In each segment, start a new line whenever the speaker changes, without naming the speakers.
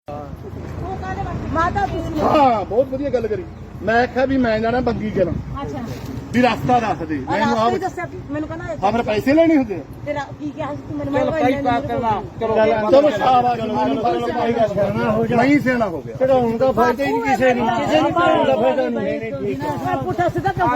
ਮਾਤਾ ਤੁਸੀਂ
ਹਾਂ ਬਹੁਤ ਵਧੀਆ ਗੱਲ ਕਰੀ। ਮੈਂ ਆਖਿਆ ਵੀ ਮੈਂ ਜਾਣਾ ਬੰਗੀ ਕਰਾਂ
ਅੱਛਾ
ਵੀ ਰਸਤਾ ਦੱਸ ਦੇ ਮੈਨੂੰ
ਰਾਸਤਾ ਹੀ
ਆਪ
ਦੱਸਿਆ ਮੈਨੂੰ ਕਹਿੰਦਾ
ਹਾਂ ਫਿਰ ਪੈਸੇ ਲੈਣੇ ਹੁੰਦੇ ਆ।
ਤੇਰਾ ਕੀ ਕਿਹਾ ਸੀ ਤੂੰ ਮੈਨੂੰ
ਚਲ ਭਾਈ ਪਾ ਕਰਨਾ
ਚਲੋ ਸ਼ਾਬਾਸ਼ ਨਹੀਂ ਸਿਆਣਾ ਹੋ ਗਿਆ
ਚੜਾਉਣ ਦਾ ਫਾਇਦਾ ਹੀ ਨਹੀਂ ਕਿਸੇ ਨੂੰ ਚੜਾਉਣ ਦਾ ਫਾਇਦਾ ਨਹੀਂ
ਮੈਂ ਪੁੱਠਾ ਸਿੱਧਾ ਕੰਮ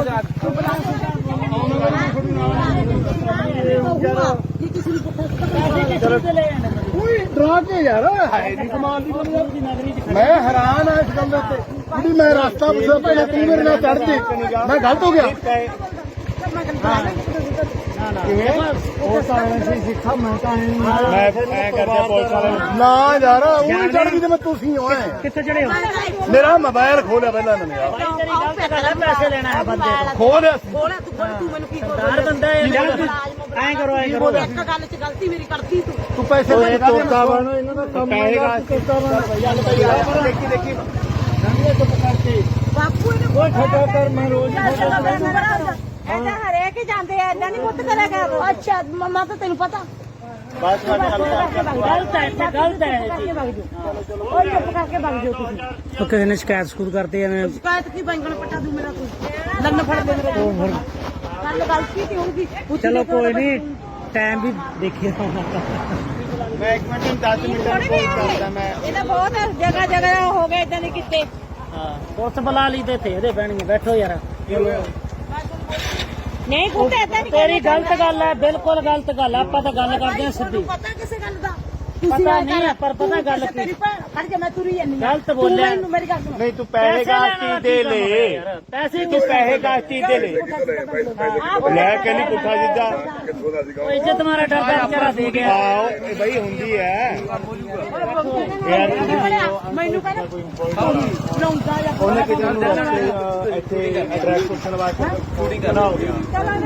ਜੀ ਕਿਸੇ ਨੂੰ ਪੁੱਠਾ ਸਿੱਧਾ ਲੈ ਆਂਦਾ
ਕੋਈ ਡਰਾ ਕੇ ਯਾਰ ਹੈ ਨਹੀਂ ਕਮਾਲ ਦੀ ਗੱਲ ਯਾਰ। ਮੈਂ ਹੈਰਾਨ ਆ ਇਸ ਗੱਲ ਦੇ ਉੱਤੇ ਵੀ ਮੈਂ ਰਸਤਾ ਪੁੱਛਿਆ ਪਹਿਲਾਂ ਤੂੰ ਮੇਰੇ ਨਾਲ ਚੜ ਜੇ ਮੈਂ ਗਲਤ ਹੋ ਗਿਆ
ਉਹ ਤਾਂ ਐਸੀ ਸਿੱਖਾ ਮੈਂ ਤਾਂ ਮੈਂ ਕਰਦੇ ਪੁਲਿਸ ਵਾਲੇ
ਨਾ ਯਾਰ ਉਹ ਨਹੀਂ ਚੜ ਗਈ ਤੇ ਮੈਂ ਤੁਸੀਂ ਹੋਏ
ਕਿੱਥੇ ਚੜੇ ਹੋ
ਮੇਰਾ ਮੋਬਾਈਲ ਖੋਲਿਆ ਪਹਿਲਾਂ ਇਹਨਾਂ ਨੇ ਯਾਰ
ਪੈਸੇ ਲੈਣਾ ਹੈ ਬੰਦੇ
ਖੋਲਿਆ
ਬੋਲਿਆ ਤੂੰ ਮੈਨੂੰ ਕੀ
ਦਾਰ ਬੰਦਾ ਐਂ ਕਰੋ ਐਂ ਕਰੋ
ਇੱਕ ਗੱਲ 'ਚ ਗਲਤੀ ਮੇਰੀ ਕਰਦੀ
ਤੂੰ ਪੈਸੇ ਲੈ ਕੇ
ਤੋਤਾ ਬਣੋ ਇਹਨਾਂ ਦਾ ਕੰਮ ਹੈਗਾ ਤੋਤਾ ਬਣੋ
ਦੇਖੀ ਦੇਖੀ
ਬਾਪੂ ਇਹਨੇ
ਉਹ ਠੱਗਾ ਕਰ ਮੈਂ ਰੋਜ਼
ਐਦਾਂ ਹਰੇਕ ਹੀ ਜਾਂਦੇ ਆ ਐਦਾਂ ਨਹੀਂ ਮੁੱਤ ਕਰਿਆ ਕਰ ਅੱਛਾ ਮਮਾ ਤਾਂ ਤੈਨੂੰ ਪਤਾ
ਬਸ ਗਲਤ ਹੈ ਗਲਤ ਹੈ ਜੀ
ਉਹ ਚੁੱਪ ਕਰਕੇ ਭੱਜ ਜਾਓ ਤੁਸੀਂ
ਉਹ ਕਿਸੇ ਨੇ ਸ਼ਿਕਾਇਤ ਸਕੂਰ ਕਰਤੀ ਐਵੇਂ
ਸ਼ਿਕਾਇਤ ਕੀ ਬੈਂਗਣ ਪੱਟਾ ਦੂ ਮੇਰਾ ਤੂੰ ਲੰਨ ਫੜ ਦੇ ਮੇਰੇ ਗੱਲ ਗਲਤੀ ਤੇ ਹੋਊਗੀ
ਚਲੋ ਕੋਈ ਨਹੀਂ ਟਾਈਮ ਵੀ ਦੇਖਿਆ
ਮੈਂ 1 ਮਿੰਟ 10 ਮਿੰਟ ਕਰਦਾ ਮੈਂ
ਇਹਦਾ ਬਹੁਤ ਜਗ੍ਹਾ ਜਗ੍ਹਾ ਹੋ ਗਏ ਇਦਾਂ ਦੇ ਕਿਤੇ
ਹਾਂ ਪੁਲਿਸ ਬੁਲਾ ਲਈ ਤੇ ਇਹਦੇ ਬਹਿਣਗੇ ਬੈਠੋ ਯਾਰ
ਨਹੀਂ ਕੁੱਤੇ ਇਦਾਂ ਨਹੀਂ
ਤੇਰੀ ਗਲਤ ਗੱਲ ਹੈ ਬਿਲਕੁਲ ਗਲਤ ਗੱਲ ਹੈ ਆਪਾਂ ਤਾਂ ਗੱਲ ਕਰਦੇ ਹਾਂ ਸਿੱਧੀ
ਪਤਾ ਕਿਸੇ ਗੱਲ ਦਾ
ਪਤਾ ਨਹੀਂ ਹੈ ਪਰ ਪਤਾ ਗੱਲ ਕੀ
ਖੜ ਜਾ ਮੈਂ ਤੁਰੀ ਜਾਂਦੀ
ਗਲਤ ਬੋਲਿਆ
ਮੇਰੀ ਗੱਲ ਸੁਣ
ਨਹੀਂ ਤੂੰ ਪੈਸੇ ਗਾਸਤੀ ਦੇ ਲੈ
ਪੈਸੇ
ਤੂੰ ਪੈਸੇ ਗਾਸਤੀ ਦੇ ਲੈ ਲੈ ਕੇ ਨਹੀਂ ਪੁੱਠਾ ਜਿੱਦਾਂ
ਉਹ ਇੱਜ਼ਤ ਮਾਰਾ ਡਰਦਾ ਵਿਚਾਰਾ ਦੇ ਗਿਆ
ਆਓ ਇਹ ਬਈ ਹੁੰਦੀ ਹੈ
ਮੈਨੂੰ ਕਹਿੰਦਾ ਲਾਉਂਦਾ ਜਾਂ
ਉਹਨੇ ਕਿਤੇ ਨੂੰ ਇੱਥੇ ਐਡਰੈਸ ਪੁੱਛਣ ਵਾਸਤੇ ਸ਼ੂਟਿੰਗ ਕਰਨਾ ਹੋ ਗਿਆ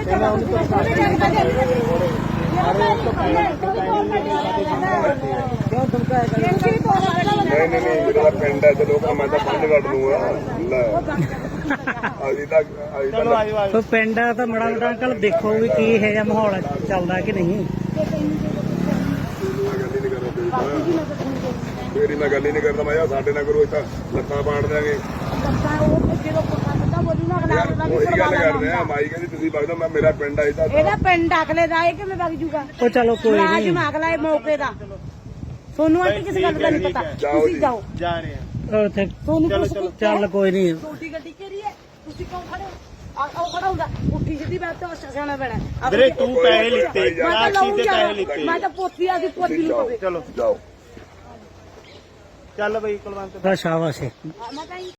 ਨਹੀਂ ਮੇਰਾ ਪਿੰਡ ਹੈ ਚਲੋ ਮੈਂ ਤਾਂ ਪੰਜ ਕੱਢ ਲੂੰਗਾ ਲੈ ਅਜੀ ਤੱਕ
ਚਲੋ ਆਜੋ ਆਜੋ
ਉਹ ਪਿੰਡ ਆ ਤਾਂ ਮੜਾ ਮੋਟਾ ਅੰਕਲ ਦੇਖੋ ਵੀ ਕੀ ਇਹ ਜਿਹਾ ਮਾਹੌਲ ਚੱਲਦਾ ਕਿ ਨਹੀਂ
ਤੇਰੀ ਮੈਂ ਗੱਲ ਹੀ ਨਹੀਂ ਕਰਦਾ ਮੈਂ ਯਾਰ ਸਾਡੇ ਨਾਲ ਕਰੋ ਇੱਥੇ ਲੱਤਾਂ ਪਾੜ ਦਿਆਂਗੇ ਉਹੀ ਗੱਲ ਕਰਦੇ ਆ ਮਾਈ ਕਹਿੰਦੀ ਤੁਸੀਂ ਵਗਦਾ ਮੈਂ ਮੇਰਾ ਪਿੰਡ ਆਈ ਤਾਂ
ਇਹਦਾ ਪਿੰਡ ਅਗਲੇ ਦਾ ਇਹ ਕਿਵੇਂ ਵਗ ਜੂਗਾ
ਉਹ ਚਲੋ ਕੋਈ ਨਹੀਂ
ਮੁਲਾਜ਼ਮ ਅਗਲਾ ਇਹ ਮੌਕੇ ਦਾ ਤੁਹਾਨੂੰ ਆਂਟੀ ਕਿਸੇ ਗੱਲ ਦਾ ਨਹੀਂ ਪਤਾ ਤੁਸੀਂ ਜਾਓ
ਜਾ ਰਹੇ ਆ
ਉੱਥੇ
ਤੁਹਾਨੂੰ
ਚੱਲ ਕੋਈ ਨਹੀਂ
ਛੋਟੀ ਗੱਡੀ ਕਿਹੜੀ ਹੈ ਤੁਸੀਂ ਕਿਉਂ ਖੜੇ ਹੋ ਆਹ ਖੜਾ ਹੁੰਦਾ ਉੱਠੀ ਸਿੱਧੀ ਬਾਤ ਤੋਂ ਸਿਆਣਾ ਪੈਣਾ
ਵੀਰੇ ਤੂੰ ਪੈਸੇ ਲਿੱਤੇ
ਮੈਂ ਤਾਂ
ਰਾਖੀ
ਲਾਉਂ
ਦੇ ਪੈਸੇ
ਯਾਰ
ਲਿੱਤੇ
ਮੈਂ ਤਾਂ ਪੋਤੀ ਆ ਦੀ ਪੋਤੀ ਨੂੰ ਪਵੇ
ਚਲੋ
ਜਾਓ
ਚੱਲ ਬਈ ਕੁਲਵੰਤ
ਦਾ ਸ਼ਾਬਾਸ਼ ਹੈ
ਮੈਂ ਤਾਂ